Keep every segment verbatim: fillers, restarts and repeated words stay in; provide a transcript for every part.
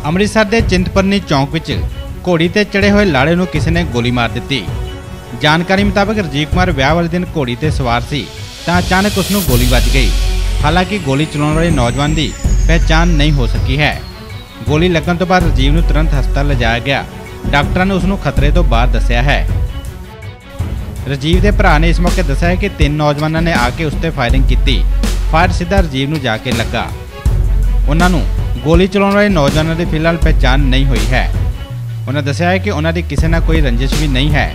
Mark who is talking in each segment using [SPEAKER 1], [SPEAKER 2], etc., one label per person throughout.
[SPEAKER 1] ਅੰਮ੍ਰਿਤਸਰ ਦੇ ਚਿੰਤਪੁਰਨੀ ਚੌਂਕ ਵਿੱਚ ਘੋੜੀ ਤੇ ਚੜੇ ਹੋਏ ਲਾੜੇ ਨੂੰ ਕਿਸੇ ਨੇ ਗੋਲੀ ਮਾਰ ਦਿੱਤੀ। ਜਾਣਕਾਰੀ ਮੁਤਾਬਕ ਰਜੀਵ ਕੁਮਾਰ ਵਿਆਹ ਵਾਲੇ ਦਿਨ ਘੋੜੀ ਤੇ ਸਵਾਰ ਸੀ ਤਾਂ ਅਚਾਨਕ ਉਸ ਨੂੰ ਗੋਲੀ ਵੱਜ ਗਈ। ਹਾਲਾਂਕਿ ਗੋਲੀ ਚਲਾਉਣ ਵਾਲੇ ਨੌਜਵਾਨ ਦੀ ਪਹਿਚਾਣ ਨਹੀਂ ਹੋ ਸਕੀ ਹੈ। ਗੋਲੀ ਲੱਗਣ ਤੋਂ ਬਾਅਦ ਰਜੀਵ ਨੂੰ ਤੁਰੰਤ ਹਸਪਤਾਲ ਲਿਜਾਇਆ ਗਿਆ। ਡਾਕਟਰਾਂ ਨੇ ਉਸ ਨੂੰ ਖਤਰੇ ਤੋਂ ਬਾਹਰ ਦੱਸਿਆ ਹੈ। ਰਜੀਵ ਦੇ ਭਰਾ ਨੇ ਇਸ ਮੌਕੇ ਦੱਸਿਆ ਕਿ ਤਿੰਨ ਨੌਜਵਾਨਾਂ ਨੇ ਆ ਕੇ ਉਸ ਤੇ ਫਾਇਰਿੰਗ ਕੀਤੀ। ਫਾਇਰ ਸਿੱਧਾ ਰਜੀਵ ਨੂੰ ਜਾ ਕੇ ਲੱਗਾ। ਉਹਨਾਂ ਨੂੰ ਗੋਲੀ ਚਲਾਉਣ ਵਾਲੇ ਨੌਜਵਾਨਾਂ ਦੀ ਫਿਲਹਾਲ ਪਹਿਚਾਣ ਨਹੀਂ ਹੋਈ ਹੈ। ਉਹਨਾਂ ਦੱਸਿਆ ਹੈ ਕਿ ਉਹਨਾਂ ਦੀ ਕਿਸੇ ਨਾਲ ਕੋਈ ਰੰਜਿਸ਼ ਵੀ ਨਹੀਂ ਹੈ।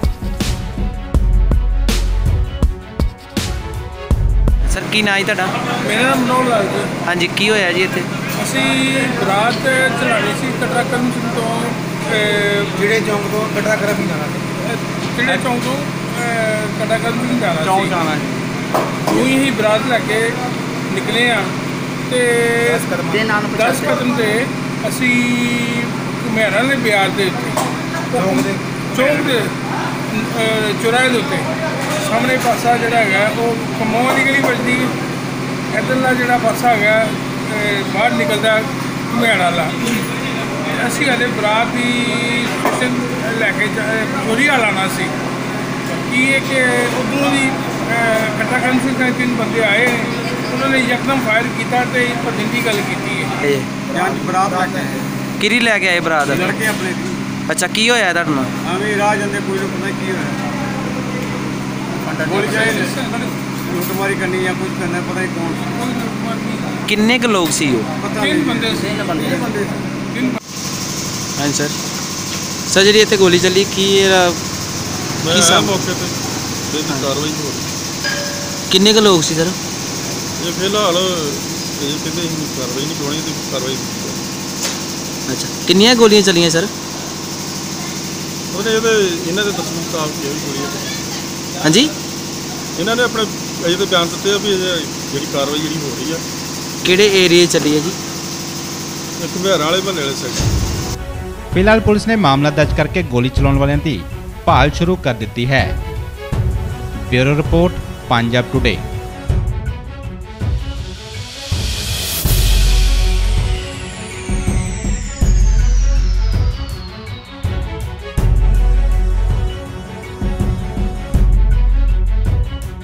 [SPEAKER 2] सर की ना ही तुहाडा?
[SPEAKER 3] मेरा नाम मनोहर लाल जी।
[SPEAKER 2] हाँ जी, की होया जी इत्थे?
[SPEAKER 3] ਅਸੀਂ ਬਰਾਤ ਚਲਾਣੀ ਸੀ ਕਟਰਾ ਕਰਮ ਸਿੰਘ ਤੋਂ
[SPEAKER 4] ਜਿਹੜੇ ਚੌਂਕ ਤੋਂ ਕਟਰਾ ਕਰਮ ਸਿੰਘ ਜਾਣਾ ਸੀ।
[SPEAKER 3] ਜਿਹੜੇ ਚੌਂਕ ਤੋਂ ਕਟਰਾ ਕਰਮ ਸਿੰਘ ਜਾਣਾ ਸੀ
[SPEAKER 4] ਚੌਂਕ ਜਾਣਾ ਸੀ।
[SPEAKER 3] ਉਹੀ ਹੀ ਬਰਾਤ ਲੈ ਕੇ ਨਿਕਲੇ ਆ ਤੇ ਦਸ ਕਦਮ ਤੇ ਅਸੀਂ ਘੁਮਿਆਰਾਂ ਦੇ ਬਿਆਰ ਦੇ ਉੱਤੇ ਚੌਂਕ ਦੇ ਚੁਰਾਹੇ ਦੇ ਉੱਤੇ ਸਾਹਮਣੇ ਪਾਸਾ ਜਿਹੜਾ ਹੈਗਾ ਉਹ ਕਮੋਹ ਦੀ ਗਲੀ ਵੱਜਦੀ, ਇੱਧਰਲਾ ਜਿਹੜਾ ਪਾਸਾ ਹੈਗਾ ਬਾਹਰ ਨਿਕਲਦਾ ਘੁਮਿਆਰ ਵਾਲਾ। ਅਸੀਂ ਹਲੇ ਬਰਾਤ ਦੀ ਸਟੇਸ਼ਨ ਲੈ ਕੇ ਚੋਰੀ ਵਾਲਾ ਆਉਣਾ ਸੀ। ਕੀ ਹੈ ਕਿ ਉੱਧਰੋਂ ਦੀ ਕਟਰਾ ਕਰਮ ਸਿੰਘ ਦੇ ਤਿੰਨ ਬੰਦੇ ਆਏ, ਉਹਨਾਂ ਨੇ ਯਕਦਮ ਫਾਇਰ ਕੀਤਾ ਤੇ ਭੱਜਣ ਦੀ ਗੱਲ ਕੀਤੀ ਹੈ।
[SPEAKER 4] ਜਾਂਚ ਬਰਾਤ ਲੈ ਕੇ
[SPEAKER 2] ਕਿਹੜੀ ਲੈ ਕੇ ਆਏ ਬਰਾਤ?
[SPEAKER 4] ਲੜਕੇ ਆਪਣੇ ਦੀ।
[SPEAKER 2] ਅੱਛਾ, ਕੀ ਹੋਇਆ ਤੁਹਾਡੇ ਨਾਲ?
[SPEAKER 4] ਆਵੇਂ ਰਾਹ ਜਾਂਦੇ ਕੋਈ ਨੂੰ ਪਤਾ ਕੀ ਹੋਇਆ। ਗੋਲੀ ਚਾਹੇ ਲੁੱਟਮਾਰੀ ਕਰਨੀ ਜਾਂ ਕੁਝ ਕਰਨਾ, ਪਤਾ ਨਹੀਂ ਕੌਣ।
[SPEAKER 2] ਕਿੰਨੇ ਕੁ ਲੋਕ ਸੀ ਉਹ?
[SPEAKER 4] ਪਤਾ
[SPEAKER 3] ਤਿੰਨ
[SPEAKER 4] ਨਹੀਂ।
[SPEAKER 3] ਬੰਦੇ ਸੀ।
[SPEAKER 4] ਤਿੰਨ ਬੰਦੇ ਬੰਦੇ
[SPEAKER 3] ਤਿੰਨ
[SPEAKER 2] ਹਾਂਜੀ ਸਰ। ਸਰ ਜਿਹੜੀ ਇੱਥੇ ਗੋਲੀ ਚੱਲੀ ਕੀ ਇਹਦਾ ਕੀ ਸਮ
[SPEAKER 5] ਮੌਕੇ ਤੇ ਕਾਰਵਾਈ ਹੋ ਰਹੀ।
[SPEAKER 2] ਕਿੰਨੇ ਕੁ ਲੋਕ ਸੀ ਸਰ?
[SPEAKER 5] ਇਹ ਫਿਲਹਾਲ ਇਹ ਕਹਿੰਦੇ ਅਸੀਂ ਕਾਰਵਾਈ ਨਹੀਂ ਕਰਾਉਣੀ ਤੇ ਕਾਰਵਾਈ ਕੀਤੀ।
[SPEAKER 2] ਅੱਛਾ, ਕਿੰਨੀਆਂ ਗੋਲੀਆਂ ਚੱਲੀਆਂ ਸਰ?
[SPEAKER 5] ਉਹਨੇ ਇਹਦੇ ਇਹਨਾਂ ਦੇ ਦੱਸਣ ਮੁਤਾਬਕ ਇਹ ਵੀ ਗੋਲੀ ਹੈ।
[SPEAKER 2] ਹਾਂਜੀ,
[SPEAKER 5] ਇਹਨਾਂ ਨੇ ਆਪਣੇ ਅਜੇ ਤੇ ਬਿਆਨ ਦਿੱਤੇ ਆ ਵੀ ਇਹ ਜਿਹੜੀ ਕਾਰਵਾਈ ਜਿਹੜੀ ਹੋ ਰਹੀ ਆ।
[SPEAKER 2] ਕਿਹੜੇ ਏਰੀਏ ਚੱਲੀ ਹੈ ਜੀ?
[SPEAKER 5] ਇਹ ਘੁਮਿਆਰਾਂ ਵਾਲੇ ਮਹੱਲੇ ਵਾਲੇ ਸਾਈਡ।
[SPEAKER 1] ਫਿਲਹਾਲ ਪੁਲਿਸ ਨੇ ਮਾਮਲਾ ਦਰਜ ਕਰਕੇ ਗੋਲੀ ਚਲਾਉਣ ਵਾਲਿਆਂ ਦੀ ਭਾਲ ਸ਼ੁਰੂ ਕਰ ਦਿੱਤੀ ਹੈ। Bureau report, Punjab today.